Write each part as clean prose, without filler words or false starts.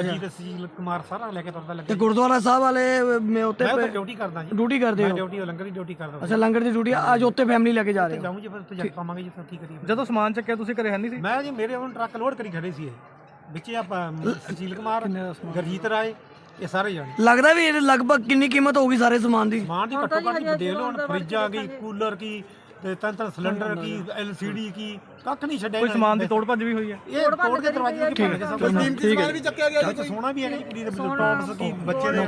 ਗੁਰਜੀਤ ਸੁਸ਼ੀਲ ਕੁਮਾਰ ਸਾਰਾ ਲੈ ਕੇ ਤੁਰਦਾ ਲੱਗਾ। ਤੇ ਗੁਰਦੁਆਰਾ ਸਾਹਿਬ ਵਾਲੇ ਮੈਂ ਉੱਤੇ ਮੈਂ ਡਿਊਟੀ ਕਰਦਾ ਜੀ। ਡਿਊਟੀ ਕਰਦੇ ਹੋ? ਡਿਊਟੀ ਲੰਗਰ ਦੀ ਡਿਊਟੀ ਕਰਦਾ। ਅੱਛਾ, ਲੰਗਰ ਦੀ ਡਿਊਟੀ ਅੱਜ ਉੱਤੇ ਫੈਮਿਲੀ ਲੈ ਕੇ ਜਾ ਰਹੇ ਹੋ? ਜਾਊਂ ਜੀ, ਫਿਰ ਉੱਥੇ ਜਾ ਕੇ ਪਾਵਾਂਗੇ ਜੀ। ਫਿਰ ਕੀ ਕਰੀਏ? ਜਦੋਂ ਸਮਾਨ ਚੱਕਿਆ ਤੁਸੀਂ ਘਰੇ ਹੈ ਨਹੀਂ ਸੀ? ਮੈਂ ਜੀ ਮੇਰੇ ਹੁਣ ਟਰੱਕ ਲੋਡ ਕਰੀ ਖੜੇ ਸੀ ਇਹ ਵਿੱਚ ਆਪਾਂ ਸੁਸ਼ੀਲ ਕੁਮਾਰ, ਗੁਰਜੀਤ ਰਾਏ, ਇਹ ਸਾਰੇ ਜਾਣੇ। ਲੱਗਦਾ ਵੀ ਇਹ ਲਗਭਗ ਕਿੰਨੀ ਕੀਮਤ ਹੋਊਗੀ ਸਾਰੇ ਸਮਾਨ ਦੀ? ਸਮਾਨ ਦੀ ਘੱਟੋ ਘੱਟ ਦੇਖ ਲਓ ਹੁਣ, ਫਰਿੱਜ ਆ ਗਈ, ਕੂਲਰ ਕੀ ਤੇ ਤਿੰਨ ਸਿਲੰਡਰ ਕੀ, LCD ਕੀ, ਕੱਖ ਨਹੀਂ ਛੱਡਿਆ। ਕੋਈ ਸਮਾਨ ਦੀ ਤੋੜ ਭੱਜ ਵੀ ਹੋਈ ਹੈ? ਇਹ ਤੋੜ ਕੇ ਦਰਵਾਜ਼ੇ ਦੀ ਭੰਨ ਕੇ ਸਭ ਕੁਝ। ਠੀਕ ਹੈ ਵੀ ਚੱਕਿਆ ਗਿਆ ਜੀ। ਸੋਨਾ ਵੀ ਹੈਗਾ ਜੀ, ਕੁੜੀ ਦੇ ਟੌਪਸ ਕੀ, ਬੱਚੇ ਦੇ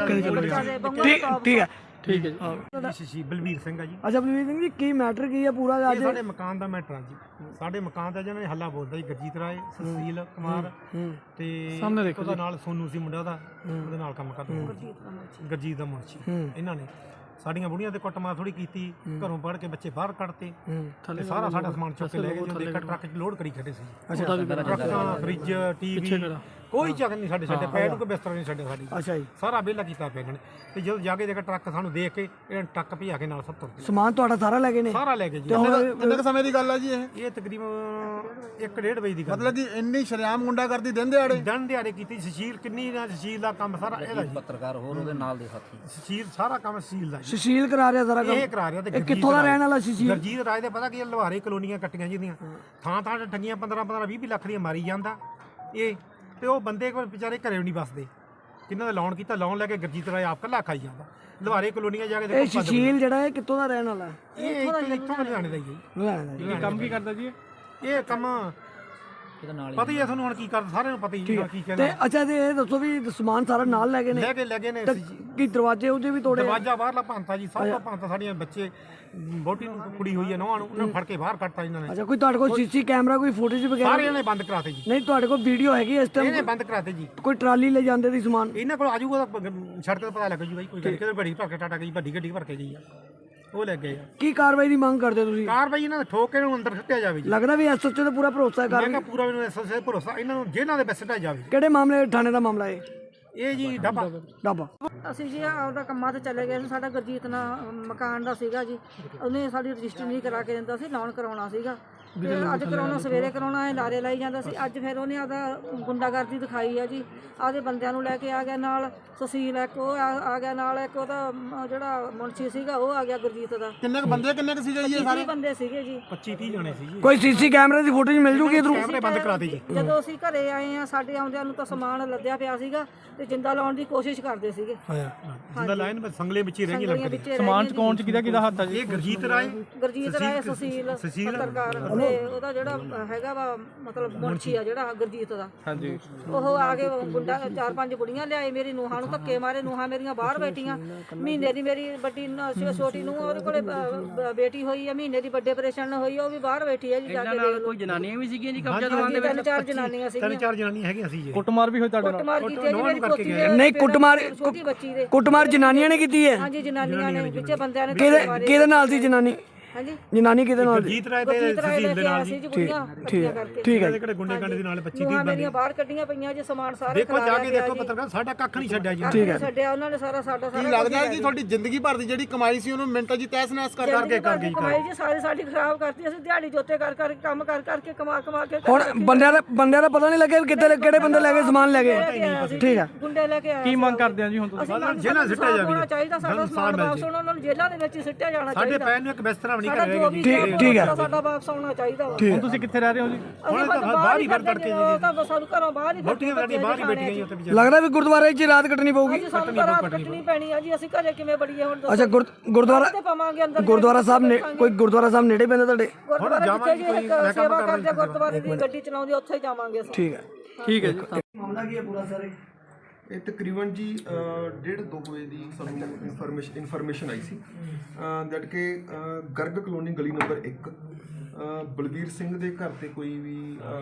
ਠੀਕ ਹੈ ਠੀਕ ਹੈ ਜੀ। ਬਲਵੀਰ ਸਿੰਘ ਆ ਜੀ। ਅੱਛਾ ਬਲਵੀਰ ਸਿੰਘ ਜੀ, ਕੀ ਮੈਟਰ ਕੀ ਹੈ ਪੂਰਾ ਅੱਜ? ਸਾਡੇ ਮਕਾਨ ਦਾ ਮੈਟਰ ਆ ਜੀ। ਸਾਡੇ ਮਕਾਨ ਦਾ ਜਿਹਨਾਂ ਨੇ ਹੱਲਾ ਬੋਲਦਾ ਜੀ, ਗੁਰਜੀਤ ਰਾਏ, ਸੁਸ਼ੀਲ ਕੁਮਾਰ ਤੇ ਉਹਦਾ ਨਾਲ ਸੋਨੂ ਸੀ ਮੁੰਡਾ ਉਹਦਾ, ਉਹਦੇ ਨਾਲ ਕੰਮ ਕਰਦਾ ਗੁਰਜੀਤ ਦਾ ਮੁੰਸ਼ੀ। ਇਹਨਾਂ ਨੇ ਸਾਡੀਆਂ ਬੁੜੀਆਂ ਤੇ ਕੁੱਟਮਾਰ ਥੋੜੀ ਕੀਤੀ, ਘਰੋਂ ਪੜ ਕੇ ਬੱਚੇ ਬਾਹਰ ਕੱਢਤੇ ਤੇ ਸਾਰਾ ਸਾਡਾ ਸਮਾਨ ਚੁੱਕ ਕੇ ਲੈ ਗਏ। ਜਦੋਂ ਦੇਖਿਆ ਟਰੱਕ 'ਚ ਲੋਡ ਕਰੀ ਖੜੇ ਸੀ। ਟਰੱਕਾਂ, ਫਰਿੱਜ, ਟੀਵੀ, ਕੋਈ ਚੱਕ ਨਹੀਂ ਸਾਡੇ ਪੈਰ ਨੂੰ ਕੋਈ ਬਿਸਤਰਾ ਨਹੀਂ ਛੱਡਿਆ ਸਾਡੀ। ਅੱਛਾ ਜੀ, ਸਾਰਾ ਵਿਹਲਾ ਕੀਤਾ ਪਿਆ ਇਹਨਾਂ ਨੇ। ਤੇ ਜਦੋਂ ਜਾ ਕੇ ਦੇਖਿਆ ਟਰੱਕ ਸਾਨੂੰ ਦੇਖ ਕੇ ਇਹਨਾਂ ਨੇ ਟਰੱਕ ਭਜਾ ਕੇ ਨਾਲ ਸਭ ਤੁਰ ਗਏ। ਸਮਾਨ ਤੁਹਾਡਾ ਸਾਰਾ ਲੈ ਗਏ ਨੇ? ਸਾਰਾ ਲੈ ਗਏ ਜੀ। ਕਿੰਨੇ ਸਮੇਂ ਦੀ ਗੱਲ ਆ ਜੀ ਇਹ ਤਕਰੀਬਨ 1-1.5 ਵਜੇ ਦੀ ਗੱਲ। ਮਤਲਬ ਕਿ ਇੰਨੀ ਸ਼ਰੇਆਮ ਗੁੰਡਾਗਰਦੀ ਦਿਨ ਦਿਹਾੜੇ ਦਿਹਾੜੇ ਕੀਤੀ। ਸੁਸ਼ੀਲ ਕਿੰਨੀ ਨਾ, ਸੁਸ਼ੀਲ ਦਾ ਕੰਮ ਸਾਰਾ ਇਹਦਾ ਜੀ। ਪੱਤਰਕਾਰ ਹੋਰ ਉਹਦੇ ਨਾਲ ਦੇ ਸਾਥੀ। ਸੁਸ਼ੀਲ ਸਾਰਾ ਕੰਮ ਸੁਸ਼ੀਲ ਦਾ ਜੀ। ਸੁਸ਼ੀਲ ਕਰਾ ਰਿਹਾ ਸਾਰਾ ਕੰਮ? ਇਹ ਕਰਾ ਰਿਹਾ। ਤੇ ਇਹ ਕਿੱਥੋਂ ਦਾ ਰਹਿਣ ਵਾਲਾ ਸੁਸ਼ੀਲ? ਗੁਰਜੀਤ ਰਾਏ ਦੇ ਪਤਾ ਕੀ ਲੁਹਾਰੇ ਕਲੋਨੀਆਂ ਕੱਟੀਆਂ ਜਿਹਦੀਆਂ ਥਾਂ ਥਾਂ ਤੇ ਠੱਗੀਆਂ 15-20 ਲੱਖ ਦੀਆਂ ਮਾਰੀ ਜਾਂਦਾ ਇਹ। ਤੇ ਉਹ ਬੰਦੇ ਕੋਲ ਵਿਚਾਰੇ ਘਰੇ ਵੀ ਨਹੀਂ ਬਸਦੇ, ਕਿੰਨਾਂ ਦਾ ਲੋਨ ਕੀਤਾ, ਲੋਨ ਲੈ ਕੇ ਗੁਰਜੀਤ ਰਾਏ ਆਪ ਕੱਲਾ ਖਾਈ ਜਾਂਦਾ। ਲੁਹਾਰੇ ਕਲੋਨੀਆਂ ਜਾ ਕੇ ਇਹ ਸੁਸ਼ੀਲ ਜਿਹੜਾ ਹੈ ਕਿੱਥੋਂ ਦਾ ਰਹਿਣ ਵਾਲਾ? ਇਹ ਇੱਥੋਂ ਲੁਧਿਆਣੇ ਦਾ ਹੀ ਹੈ ਜੀ। ਇਹ ਕੰਮ ਕੀ ਕਰਦਾ ਜੀ? ਇਹ ਕੰਮ ਪਤਾ ਹੀ ਹੈ ਤੁਹਾਨੂੰ ਹੁਣ ਕੀ ਕਰਦਾ, ਸਾਰਿਆਂ ਨੂੰ ਪਤਾ ਹੀ ਹੈ ਕੀ ਕਹਿੰਦਾ। ਤੇ ਅੱਛਾ, ਤੇ ਇਹ ਦੱਸੋ ਵੀ ਸਮਾਨ ਸਾਰਾ ਨਾਲ ਲੈ ਗਏ ਨੇ? ਲੈ ਗਏ ਨੇ। ਕੀ ਦਰਵਾਜ਼ੇ ਉਹਦੇ ਵੀ ਤੋੜੇ? ਦਰਵਾਜ਼ਾ ਬਾਹਰਲਾ ਭੰਨਤਾ ਜੀ, ਸਭ ਤੋਂ ਭੰਨਤਾ। ਸਾਡੀਆਂ ਬੱਚੇ ਬੋਟੀ ਨੂੰ ਕੁੜੀ ਹੋਈ ਹੈ ਨੌਂ ਨੂੰ, ਉਹਨਾਂ ਨੂੰ ਫੜ ਕੇ ਬਾਹਰ ਕੱਢਤਾ ਇਹਨਾਂ ਨੇ। ਅੱਛਾ, ਕੋਈ ਤੁਹਾਡੇ ਕੋਲ ਸੀਸੀ ਕੈਮਰਾ, ਕੋਈ ਫੁਟੇਜ ਵਗੈਰਾ? ਸਾਰਿਆਂ ਨੇ ਬੰਦ ਕਰਾਤੇ ਜੀ। ਨਹੀਂ, ਤੁਹਾਡੇ ਕੋਲ ਵੀਡੀਓ ਹੈਗੀ ਇਸ ਟਾਈਮ? ਇਹਨੇ ਬੰਦ ਕਰਾਤੇ ਜੀ। ਕੋਈ ਟਰਾਲੀ ਲੈ ਜਾਂਦੇ ਦੀ ਸਮਾਨ? ਇਹਨਾਂ ਕੋਲ ਆਜੂਗਾ ਤਾਂ ਸੜਕ ਤੇ ਪਤਾ ਲੱਗ ਜੂ ਬਾਈ। ਕੋਈ ਗੱਡੀ ਕਿਤੇ ਗੱਡੀ ਭਰ ਕੇ ਟਾਟਾ ਗਈ, ਵੱਡੀ ਗੱਡੀ ਭਰ ਕੇ ਗਈ ਆ, ਉਹ ਲੈ ਗਏ ਆ। ਕੀ ਕਾਰਵਾਈ ਦੀ ਮੰਗ ਕਰਦੇ ਤੁਸੀਂ? ਕਾਰਵਾਈ ਇਹਨਾਂ ਦੇ ਠੋਕ ਕੇ ਇਹਨੂੰ ਅੰਦਰ ਸੁੱਟਿਆ ਜਾਵੇ ਜੀ। ਲੱਗਦਾ ਵੀ ਐਸਐਚਓ ਤੇ ਪੂਰਾ ਭਰੋਸਾ ਹੈ? ਮੈਂ ਕਿਹਾ ਪੂਰਾ ਮੈਨੂੰ ਐਸਐਸਏ ਭਰੋਸਾ, ਇਹਨਾਂ ਨੂੰ ਜੇਲ੍ਹਾਂ ਦੇ ਵਿੱਚ ਸੁੱਟਿਆ ਜਾਵੇ। ਕਿਹੜੇ ਮਾਮਲੇ ਥਾਣੇ ਦਾ ਮਾਮਲਾ ਹੈ ਇਹ ਜੀ ਢਾਬਾ। ਅਸੀਂ ਜੀ ਆਪਦਾ ਕੰਮਾਂ ਤੇ ਚਲੇ ਗਏ ਸੀ। ਸਾਡਾ ਗੁਰਜੀਤ ਨਾਲ ਮਕਾਨ ਦਾ ਸੀਗਾ ਜੀ, ਉਹਨੇ ਸਾਡੀ ਰਜਿਸਟਰੀ ਨਹੀਂ ਕਰਾ ਕੇ ਦਿੰਦਾ ਸੀ, ਲੋਨ ਕਰਾਉਣਾ ਸੀਗਾ। ਤੇ ਅੱਜ ਕਰਾਉਣਾ, ਸਵੇਰੇ ਕਰਾਉਣਾ, ਇਹ ਲਾਰੇ ਲਾਈ ਜਾਂਦਾ ਸੀ। ਅੱਜ ਫਿਰ ਉਹਨੇ ਆਪਦਾ ਗੁੰਡਾਗਰਦੀ ਦਿਖਾਈ ਆ ਜੀ। ਆਪਦੇ ਬੰਦਿਆਂ ਨੂੰ ਲੈ ਕੇ ਆ ਗਿਆ ਨਾਲ। ਸੁਸ਼ੀਲ ਇੱਕ ਉਹ ਆ ਗਿਆ ਨਾਲ, ਇੱਕ ਉਹਦਾ ਜਿਹੜਾ ਮੁਨਸ਼ੀ ਸੀਗਾ ਉਹ ਆ ਗਿਆ ਗੁਰਜੀਤ ਦਾ। ਕਿੰਨੇ ਕੁ ਬੰਦੇ ਸੀਗੇ ਜੀ? 20 ਬੰਦੇ ਸੀਗੇ ਜੀ। 25-30 ਜਣੇ ਸੀ ਜੀ। ਕੋਈ ਸੀਸੀ ਕੈਮਰੇ ਦੀ ਫੁਟੇਜ ਮਿਲ ਜੂਗੀ ਇਧਰੋਂ? ਕੈਮਰੇ ਬੰਦ ਕਰਾਤੇ ਜੀ। ਜਦੋਂ ਅਸੀਂ ਘਰੇ ਆਏ ਆ, ਸਾਡੇ ਆਉਂਦਿਆਂ ਨੂੰ ਤਾਂ ਸਮਾਨ ਲੱਦਿਆ ਪਿਆ ਸੀਗਾ ਤੇ ਜਿੰਦਾ ਲਾਉਣ ਦੀ ਕੋਸ਼ਿਸ਼ ਕਰਦੇ ਸੀਗੇ। ਜਿੰਦਾ ਲਾਈਨ ਵਿੱਚ ਸੰਗਲੇ ਵਿੱਚ ਹੀ ਰਹਿ ਗਈ ਲੰਕੜੀ। ਸਮਾਨ ਚ ਕੌਣ ਚ ਕਿਹਦਾ ਹੱਥ ਆ ਜੀ? ਇਹ ਗੁਰਜੀਤ ਰਾਏ, ਸੁਸ਼ੀਲ ਪੱਤਰਕਾਰ ਤੇ ਉਹਦਾ ਜਿਹੜਾ ਹੈਗਾ ਵਾ ਮਤਲਬ ਮੁਨਸ਼ੀ ਆ ਜਿਹੜਾ ਗੁਰਜੀਤ ਦਾ। ਹਾਂਜੀ, ਉਹ ਆ ਕੇ ਗੁੰਡਾ 4-5 ਕੁੜੀਆਂ ਲਿਆਏ, ਮੇਰੀ ਨੂੰਹਾਂ ਨੂੰ ਧੱਕੇ ਮਾਰੇ। ਨੂੰਹਾਂ ਮੇਰੀਆਂ ਬਾਹਰ ਬੈਠੀਆਂ। ਮਹੀਨੇ ਦੀ ਮੇਰੀ ਵੱਡੀ ਛੋਟੀ ਨੂੰ ਉਹਦੇ ਕੋਲੇ ਬੇਟੀ ਹੋਈ ਆ, ਮਹੀਨੇ ਦੀ ਵੱਡੇ ਆਪਰੇਸ਼ਨ ਹੋਈ, ਉਹ ਵੀ ਬਾਹਰ ਬੈਠੀ ਹੈ ਜੀ। ਜਾ ਕੇ ਦੇਖ ਲਓ। ਕੋਈ ਜਨਾਨੀਆਂ ਵੀ ਸੀਗੀਆਂ ਜੀ ਕਬਜ਼ਾ ਦਵਾਨ ਦੇ ਵਿੱਚ? 3-4 ਜਨਾਨੀਆਂ ਸੀਗੀਆਂ। 3-4 ਜਨਾਨੀਆਂ ਹੈਗੀਆਂ ਸੀ ਜੀ। ਕੁੱਟਮਾਰ ਵੀ ਹੋਈ ਤੁਹਾਡੇ ਨਾਲ? ਕੁੱਟਮਾਰ ਕੀਤੀ ਹੈ ਜੀ ਮੇਰੀ ਪੋਤੀ ਦੇ। ਨਹੀਂ, ਛੋਟੀ ਬੱਚੀ ਦੇ ਕੁੱਟਮਾਰ ਜਨਾਨੀਆਂ ਨੇ ਕੀਤੀ ਹੈ? ਹਾਂਜੀ, ਜਨਾਨੀਆਂ ਨੇ, ਵਿੱਚੇ ਬੰਦਿਆਂ ਨੇ। ਕਿਹਦੇ ਨਾਲ ਸੀ ਜਨਾਨੀ? ਹਾਂਜੀ, ਜਨਾਨੀ ਕਿਹਦੇ ਨਾਲ ਸੀ? ਗੁਰਜੀਤ ਰਾਏ ਤੇ ਸੁਸ਼ੀਲ ਦੇ ਨਾਲ ਜੀ। ਠੀਕ ਹੈ। ਕਿਹੜੇ ਗੁੰਡੇ ਕੰਡੇ ਦੇ ਨਾਲ 25-30 ਨੂੰਹਾਂ ਬੰਦੇ। ਮੇਰੀਆਂ ਬਾਹਰ ਕੱਢੀਆਂ ਪਈਆਂ ਜੀ, ਸਮਾਨ ਸਾਰੇ ਦੇਖੋ ਜਾ ਕੇ ਦੇਖੋ ਪੱਤਰਕਾਰ, ਸਾਡਾ ਕੱਖ ਨਹੀਂ ਛੱਡਿਆ ਜੀ। ਛੱਡਿਆ ਉਹਨਾਂ ਨੇ ਸਾਡਾ ਕੀ ਲੱਗਦਾ ਹੈ ਕਿ ਤੁਹਾਡੀ ਜ਼ਿੰਦਗੀ ਭਰ ਦੀ ਜਿਹੜੀ ਕਮਾਈ ਸੀ ਉਹਨੂੰ ਮਿੰਟਾਂ 'ਚ ਤਹਿਸ ਨਹਿਸ ਕਰ ਕਰਕੇ ਕਮਾਈ ਜੀ ਸਾਡੀ ਖਰਾਬ ਕਰਤੀ। ਅਸੀਂ ਦਿਹਾੜੀ ਜੋਤੇ ਕਰ ਕੰਮ ਕਰਕੇ ਕਮਾ ਕੇ ਹੁਣ ਬੰਦਿਆਂ ਦਾ ਪਤਾ ਨਹੀਂ ਲੱਗਿਆ ਵੀ ਕਿਹੜੇ ਬੰਦੇ ਲੈ ਗਏ ਸਮਾਨ ਲੈ ਗਏ? ਠੀਕ ਹੈ। ਗੁੰਡੇ ਲੈ ਕੇ ਆਏ। ਕੀ ਮੰਗ ਕਰਦੇ ਆ ਜੀ ਹੁਣ ਤੁਸੀਂ? ਜੇਲ੍ਹਾਂ ਸਿੱਟਿਆ ਜਾਵੇ। ਹੋਣਾ ਚਾਹੀਦਾ ਸਾਡਾ ਸਮਾਨ ਵਾਪਸ, ਉਹਨਾਂ ਨੂੰ ਜੇਲ੍ਹਾਂ ਦੇ ਵਿੱਚ ਹੀ ਸਿੱਟਿਆ ਜਾਣਾ ਸਾਡੇ ਚਾਹੀਦਾ। ਪੈਰ ਨੂੰ ਇੱਕ ਬਿਸਤਰਾ ਵੀ ਨਹੀਂ ਕਰੇਗਾ ਜੀ। ਠੀਕ ਹੈ। ਸਾਡਾ ਵਾਪਸ ਆਉਣਾ ਚਾਹੀਦਾ। ਹੁਣ ਤੁਸੀਂ ਕਿੱਥੇ ਰਹਿ ਰਹੇ ਹੋ ਜੀ? ਅਸੀਂ ਬਾਹਰ ਹੀ ਫਿਰਦੇ ਜੀ, ਤਾਂ ਸਾਨੂੰ ਘਰੋਂ ਬਾਹਰ ਹੀ ਬੋਟੀਆਂ ਸਾਡੀ ਬਾਹਰ ਹੀ ਬੈਠੀਆਂ ਜੀ ਉੱਥੇ। ਲੱਗਦਾ ਵੀ ਗੁਰਦੁਆਰੇ 'ਚ ਰਾਤ ਕੱਟਣੀ ਪਊਗੀ? ਸਾਨੂੰ ਤਾਂ ਰਾਤ ਕੱਟਣੀ ਪੈਣੀ ਆ ਜੀ। ਅਸੀਂ ਘਰੇ ਕਿਵੇਂ ਬੜੀਏ ਹੁਣ? ਅੱਛਾ, ਗੁਰਦੁਆਰਾ ਸਾਹਿਬ ਨੇ ਕੋਈ ਗੁਰਦੁਆਰਾ ਸਾਹਿਬ ਨੇੜੇ ਪੈਂਦਾ ਤੁਹਾਡੇ? ਗੁਰਦੁਆਰਾ ਸੇਵਾ ਕਰਦੇ ਗੁਰਦੁਆਰੇ ਦੀ ਗੱਡੀ ਚਲਾਉਂਦੇ, ਉੱਥੇ ਜਾਵਾਂਗੇ ਅਸੀਂ। ਠੀਕ ਹੈ ਜੀ। ਮਾਮਲਾ ਕੀ ਹੈ ਪੂਰਾ ਸਰ? ਇਹ ਤਕਰੀਬਨ ਜੀ 1:30-2 ਵਜੇ ਦੀ ਸਾਨੂੰ ਇਨਫੋਰਮੇਸ਼ਨ ਆਈ ਸੀ ਦੈਟ ਕਿ ਗਰਗ ਕਲੋਨੀ ਗਲੀ ਨੰਬਰ 1 ਬਲਵੀਰ ਸਿੰਘ ਦੇ ਘਰ ਤੇ ਕੋਈ ਵੀ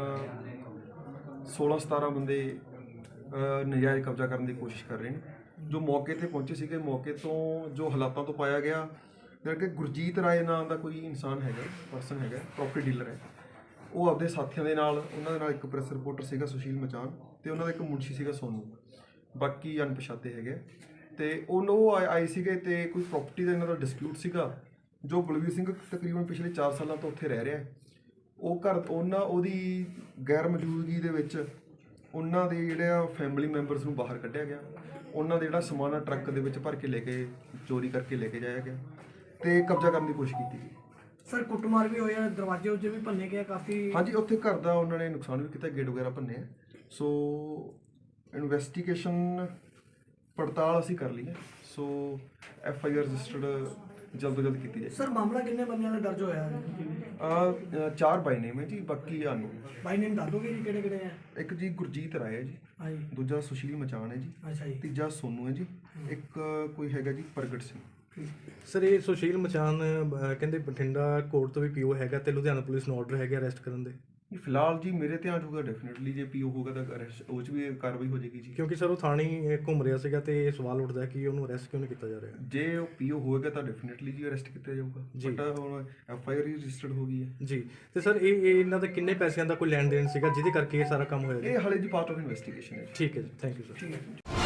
16-17 ਬੰਦੇ ਨਜਾਇਜ਼ ਕਬਜ਼ਾ ਕਰਨ ਦੀ ਕੋਸ਼ਿਸ਼ ਕਰ ਰਹੇ ਨੇ। ਜੋ ਮੌਕੇ ਤੇ ਪਹੁੰਚੇ ਸੀਗੇ, ਮੌਕੇ ਤੋਂ ਜੋ ਹਾਲਾਤਾਂ ਤੋਂ ਪਾਇਆ ਗਿਆ ਕਿ ਗੁਰਜੀਤ ਰਾਏ ਨਾਮ ਦਾ ਕੋਈ ਇਨਸਾਨ ਹੈਗਾ, ਪਰਸਨ ਹੈਗਾ, ਪ੍ਰੋਪਰਟੀ ਡੀਲਰ ਹੈ। ਉਹ ਆਪਦੇ ਸਾਥੀਆਂ ਦੇ ਨਾਲ, ਉਹਨਾਂ ਦੇ ਨਾਲ ਇੱਕ ਪ੍ਰੈਸ ਰਿਪੋਰਟਰ ਸੀਗਾ ਸੁਸ਼ੀਲ ਮਚਾਨ, ਤੇ ਉਹਨਾਂ ਦਾ ਇੱਕ ਮੁਨਸ਼ੀ ਸੀਗਾ ਸੋਨੂ, ਬਾਕੀ ਅਣਪਛਾਤੇ ਹੈਗੇ। ਤੇ ਉਹ ਆਏ ਸੀਗੇ ਤੇ ਕੋਈ ਪ੍ਰੋਪਰਟੀ ਦਾ ਇਹਨਾਂ ਦਾ ਡਿਸਪਿਊਟ ਸੀਗਾ। ਜੋ ਬਲਵੀਰ ਸਿੰਘ ਤਕਰੀਬਨ ਪਿਛਲੇ 4 ਸਾਲਾਂ ਤੋਂ ਉੱਥੇ ਰਹਿ ਰਿਹਾ, ਉਹ ਘਰ ਉਹਦੀ ਗੈਰ ਮੌਜੂਦਗੀ ਦੇ ਵਿੱਚ ਉਹਨਾਂ ਦੇ ਜਿਹੜੇ ਫੈਮਿਲੀ ਮੈਂਬਰਸ ਨੂੰ ਬਾਹਰ ਕੱਢਿਆ ਗਿਆ, ਉਹਨਾਂ ਦੇ ਜਿਹੜਾ ਸਮਾਨ ਆ ਟਰੱਕ ਦੇ ਵਿੱਚ ਭਰ ਕੇ ਲੈ ਕੇ ਚੋਰੀ ਕਰਕੇ ਲੈ ਕੇ ਜਾਇਆ ਗਿਆ ਤੇ ਕਬਜ਼ਾ ਕਰਨ ਦੀ ਕੋਸ਼ਿਸ਼ ਕੀਤੀ ਗਈ। ਸਰ ਕੁੱਟਮਾਰ ਵੀ ਹੋਇਆ, ਦਰਵਾਜ਼ੇ ਉੱਤੇ ਵੀ ਭੰਨੇ ਗਏ ਕਾਫੀ। ਹਾਂਜੀ, ਉੱਥੇ ਘਰ ਦਾ ਉਹਨਾਂ ਨੇ ਨੁਕਸਾਨ ਵੀ ਕੀਤਾ, ਗੇਟ ਵਗੈਰਾ ਭੰਨੇ ਆ। ਸੋ ਇਨਵੈਸਟੀਗੇਸ਼ਨ ਪੜਤਾਲ ਅਸੀਂ ਕਰ ਲਈ ਹੈ। ਸੋ FIR ਰਜਿਸਟਰਡ ਜਲਦ ਤੋਂ ਜਲਦ ਕੀਤੀ ਜਾਏ। ਸਰ ਮਾਮਲਾ ਕਿੰਨੇ ਬੰਦਿਆਂ ਦਾ ਦਰਜ ਹੋਇਆ ਹੈ? 4 ਬਾਈ ਨੇਮ ਹੈ ਜੀ, ਬਾਕੀ ਆਨੂੰ ਬਾਈ ਨੇਮ ਦੱਸ ਦੋਗੇ ਜੀ ਕਿਹੜੇ ਕਿਹੜੇ ਹੈ? ਇੱਕ ਜੀ ਗੁਰਜੀਤ ਰਾਏ ਹੈ ਜੀ, ਹਾਂਜੀ ਦੂਜਾ ਸੁਸ਼ੀਲ ਮਚਾਨ ਹੈ ਜੀ, ਅੱਛਾ ਜੀ, ਤੀਜਾ ਸੋਨੂ ਹੈ ਜੀ, ਇੱਕ ਕੋਈ ਹੈਗਾ ਜੀ ਪ੍ਰਗਟ ਸਿੰਘ। ਸਰ ਇਹ ਸੁਸ਼ੀਲ ਮਚਾਨ ਕਹਿੰਦੇ ਬਠਿੰਡਾ ਕੋਰਟ ਤੋਂ ਵੀ ਪੀਓ ਹੈਗਾ ਤੇ ਲੁਧਿਆਣਾ ਪੁਲਿਸ ਨੂੰ ਆਰਡਰ ਹੈਗਾ ਅਰੈਸਟ ਕਰਨ ਦੇ। ਫਿਲਹਾਲ ਜੀ ਮੇਰੇ ਧਿਆਨ 'ਚ ਹੋਊਗਾ ਡੈਫੀਨਿਟਲੀ, ਜੇ ਪੀਓ ਹੋਊਗਾ ਤਾਂ ਅਰੈਸਟ ਉਹ 'ਚ ਵੀ ਕਾਰਵਾਈ ਹੋ ਜਾਏਗੀ ਜੀ। ਕਿਉਂਕਿ ਸਰ ਉਹ ਥਾਣੇ ਹੀ ਘੁੰਮ ਰਿਹਾ ਸੀਗਾ ਤੇ ਇਹ ਸਵਾਲ ਉੱਠਦਾ ਕਿ ਉਹਨੂੰ ਅਰੈਸਟ ਕਿਉਂ ਨਹੀਂ ਕੀਤਾ ਜਾ ਰਿਹਾ। ਜੇ ਉਹ ਪੀਓ ਹੋਏਗਾ ਤਾਂ ਡੈਫੀਨਿਟਲੀ ਜੀ ਅਰੈਸਟ ਕੀਤਾ ਜਾਊਗਾ, ਬਟ ਹੁਣ FIR ਹੀ ਰਜਿਸਟਰਡ ਹੋ ਗਈ ਹੈ ਜੀ। ਤੇ ਸਰ ਇਹ ਇਹਨਾਂ ਦਾ ਕਿੰਨੇ ਪੈਸਿਆਂ ਦਾ ਕੋਈ ਲੈਣ ਦੇਣ ਸੀਗਾ ਜਿਹਦੇ ਕਰਕੇ ਇਹ ਸਾਰਾ ਕੰਮ ਹੋਇਆ ਜੀ? ਇਹ ਹਾਲੇ ਜੀ ਪਾਰਟ ਆਫ ਇਨਵੈਸਟੀਗੇਸ਼ਨ ਹੈ। ਠੀਕ ਹੈ ਜੀ, ਥੈਂਕ ਯੂ ਸਰ।